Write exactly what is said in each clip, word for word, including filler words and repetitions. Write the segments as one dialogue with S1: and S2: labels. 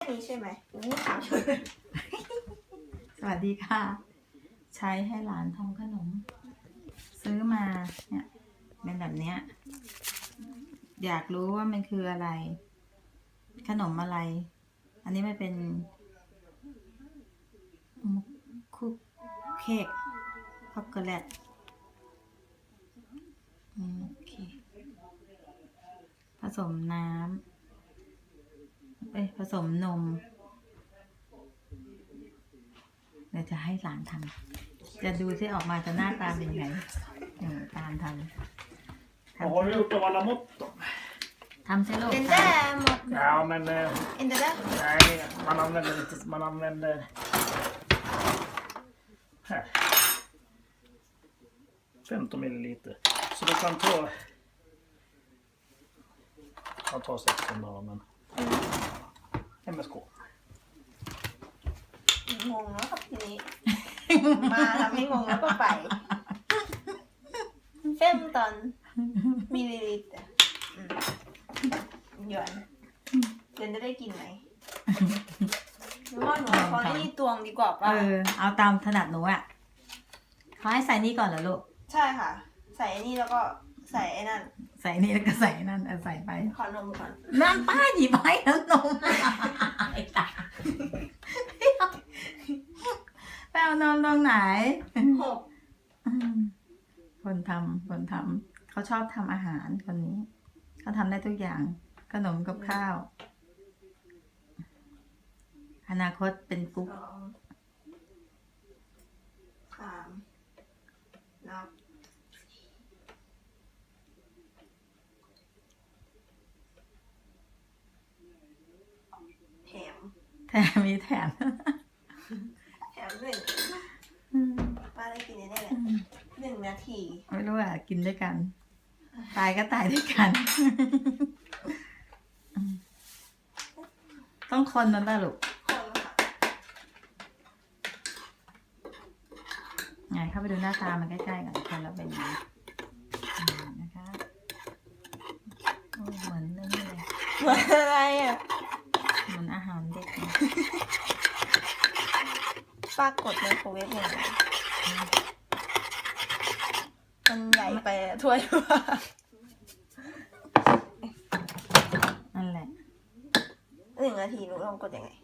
S1: นี่ใช่ไหมนี่ถาม
S2: สวัสดีค่ะใช้ให้หลานทำขนมซื้อมาเนี่ยเป็นแบบเนี้ยอยากรู้ว่ามันคืออะไรขนมอะไรอันนี้มันเป็นคุกเค้กช็อกโกแลตโอเคผสมน้ำเอ้ยผสมนมเดี๋ยวจะให้หลานทำจะดูที่ออกมาจะหน้าตาเป็นไงตามทำ
S3: Har du gjort av alla mått då?
S2: ทำใช่ลูก
S1: เป็นได้หมด
S3: Ja, men... Eh,
S1: เอ็นเดอร์ได้
S3: nej, man använder inte... Man använder... Här. femton milliliter. Så du kan ta... Jag tar sexton då, men... M S K.
S1: งงแล้วครับทีนี้ มาทำให้งงแล้วก็ไปเฟมตอนมิลลิลิตรหยวนเดี๋ยวจะได้กินไหมหรือว่าหนูขอที่ตวงดีกว่า
S2: เอ
S1: ป่ะ
S2: อเอาตามถนัดหนูอ่ะเขาให้ใส่นี่ก่อนเหรอลูก
S1: ใช่ค่ะ ใส่ไอ้นี่แล้วก็ใส่ไอ้นั่น
S2: ใส่นี่แล้วก็ใส่นั่นเอาใส่ไป
S1: ขอนมก่อน
S2: นั่นป้าหยิบให้แล้วนมไอ้ตาไปเอานมตรงไหน
S1: หก
S2: อืมคนทำคนทำเขาชอบทำอาหารคนนี้เขาทำได้ทุกอย่างขนมกับข้าว อนาคตเป็นกุ๊ก
S1: สองสามนับแถม
S2: แถมมีแถม
S1: แถมหนึ่งป้าได้กินแน่ๆเลยหนึ่งนาที
S2: ไม่รู้อ่ะกินด้วยกัน ตายก็ตายด้วยกัน ต้องคนมันป่ะลูก
S1: คนค่ะ
S2: ไงเข้าไปดูหน้าตามันใกล้ๆกันคนละเป็นอย่างนี้อืมนะคะโอ้เหมือนนี่เลย
S1: เหมือนอะไรอ่ะ
S2: เหมือนอาหารเด็กเลย
S1: ป้ากดไมโครเวฟยังไงมันใหญ่ไปอะถ้วยว่า
S2: นั่นแหละ
S1: หนึ่งนาทีหนูลองกดยังไง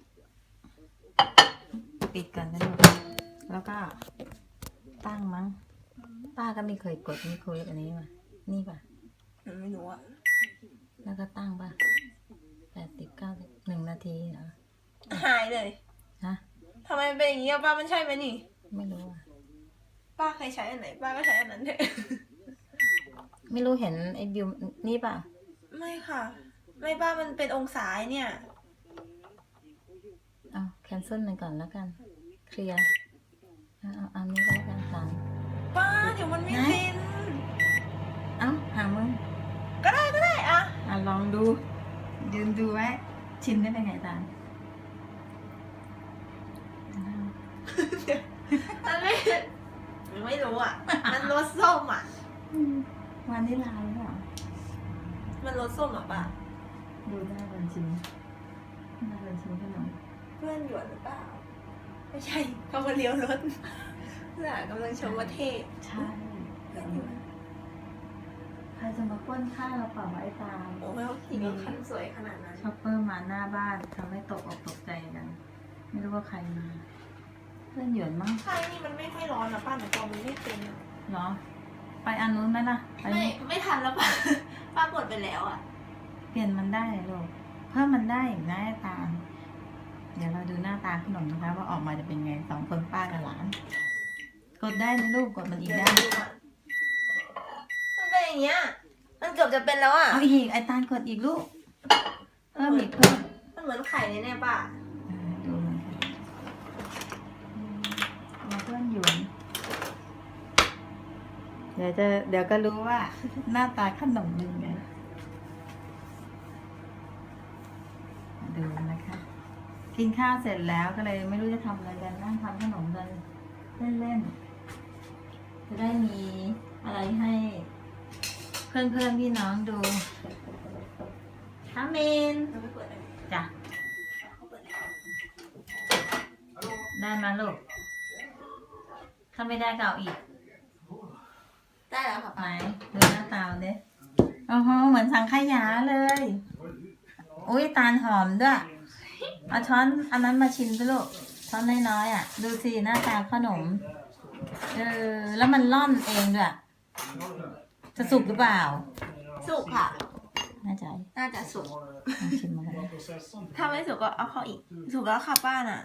S2: ปิดก่อนนะลูกแล้วก็ตั้งมั้งป้าก็ไม่เคยกดไมีคุยอันนี้ป่ะนี่ป่ะ
S1: หนูไม่รู้อ่ะ
S2: แล้วก็ตั้งป่ะแปดสิบเก้าหนึ่งนาทีเหรอ
S1: หายเลย
S2: ฮะ
S1: ทำไมมันเป็นอย่างนี้อะป้ามันใช่ไหมนี่
S2: ไม่รู้อ่ะ
S1: ป้าเคยใช้อันไหนป้าก็ใช้อันนั้นเถอะ
S2: ไม่รู้เห็นไอ้บิวนี่ป่ะ
S1: ไม่ค่ะ ไม่ป้ามันเป็นองศาเนี่ย
S2: เอาแคนเซิลมันก่อนแล้วกัน เคลียร์เอาเอาอันนี้ก็แล้วกันสาม
S1: ป้าเดี๋ยวมันไม่ฟิน
S2: เอ้าหามึง
S1: ก็ได้ก็ได้อะ
S2: อ่ะลองดู ยืนดูไว้ชิมได้เป็นไงตาล
S1: มันไม่ไม่รู้อ่ะ มันรสส้มอ่ะ
S2: วานิลลาหรือเปล่า
S1: มันรสส้มอ่ะป้า
S2: ดูได้บัญชีได้บัญชีขนม
S1: เพื่อนหยวนหรือเปล่า ไม่ใช่เขามาเลี้ยวรถน่ะกำลังชมว่าเท่
S2: ใช่
S1: เพื่อนหยวน
S2: ใครจะมาปล้นข้าวเราเปล่าวะไอ้ตาล
S1: โอ้ไม่ว่าขี่รถคันสวยขนาดนั้น
S2: ช็อปเปอร์มาหน้าบ้านทำให้ตกอกตกใจกัน ไม่รู้ว่าใครมา เพื่อนหยวนมั้ง
S1: ใช่นี่มันไม่ค่อยร้อนนะป้าแต่ตัวมันไม่เป็นอะ
S2: เหรอ ไปอันนู้นไหมล่ะไป
S1: ไม่ไม่ทันแล้วป้า ป้ากดไปแล้วอ่ะ
S2: เปลี่ยนมันได้ลูกเพิ่มมันได้อีกนะไอ้ตาลเดี๋ยวเราดูหน้าตาขนมนะคะ ว่าออกมาจะเป็นไงสองคนป้ากับหลาน กดได้ไหมลูกกดมันอีก
S1: เดี๋ยว
S2: ได้
S1: ดูก่อนมันเป็นอย่างเงี้ย มันเกือบจะเป็นแล้วอ่ะ
S2: เอาอีกไอ้ตาลกดอีกลูกเพิ่มอีกเพิ่ม
S1: มันเหมือนไข่เลยเนี่ยป้า
S2: อ่าดูมันค่ะอืมเราเพื่อนหยวนเดี๋ยวจะเดี๋ยวก็รู้ว่า หน้าตาขนมเป็นไงดูนะคะ กินข้าวเสร็จแล้วก็เลยไม่รู้จะทำอะไรกันนั่งทำขนมกันเล่นๆจะได้มีอะไรให้ เพื่อนๆพี่น้องดูทามิน
S1: มันไม่เปิดเลย
S2: จ้ะ
S1: เขาเปิดแล้ว
S2: ได้มาลูก ถ้าไม่ได้ก็เอาอีก
S1: ได้แล้วค่ะ
S2: ไหน
S1: ป้า
S2: ดูหน้าตาเด้โอ้โหเหมือนสังขยาเลย อุ้ยตาลหอมด้วย เอาช้อนอันนั้นมาชิมสิลูก ช้อนน้อยๆอ่ะ ดูสิหน้าตาขนม เออ แล้วมันร่อนเองด้วย จะสุกหรือเปล่า
S1: สุกค่ะ
S2: น่าใจ
S1: น่าจะสุก
S2: ลองชิมมากัน
S1: ถ้าไม่สุกก็เอาเข้าอีก สุกแล้วค่ะป้าน่ะ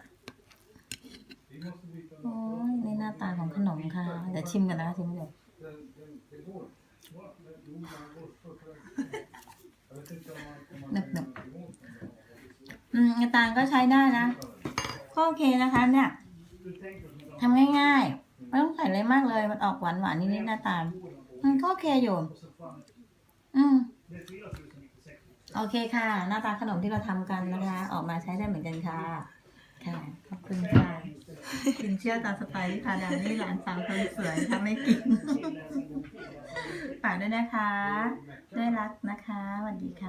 S2: โอ้ยนี่หน้าตาของขนมค่ะ เดี๋ยวชิมกันนะชิมเลยหนึบหนึบอืมตาลก็ใช้ได้นะ ก็โอเคนะคะเนี่ยทำง่ายๆ ไม่ต้องใส่อะไรมากเลย มันออกหวานหวานนิดๆหน้าตาลมันก็โอเคอยู่ อืม โอเคค่ะ หน้าตาขนมที่เราทำกันนะคะ ออกมาใช้ได้เหมือนกันค่ะ ค่ะ ขอบคุณค่ะ กินเชื่อตามสไตล์ที่พาดานี่หลานสาวคนสวยทำไม่กิน ฝากด้วยนะคะ ด้วยรักนะคะสวัสดีค่ะ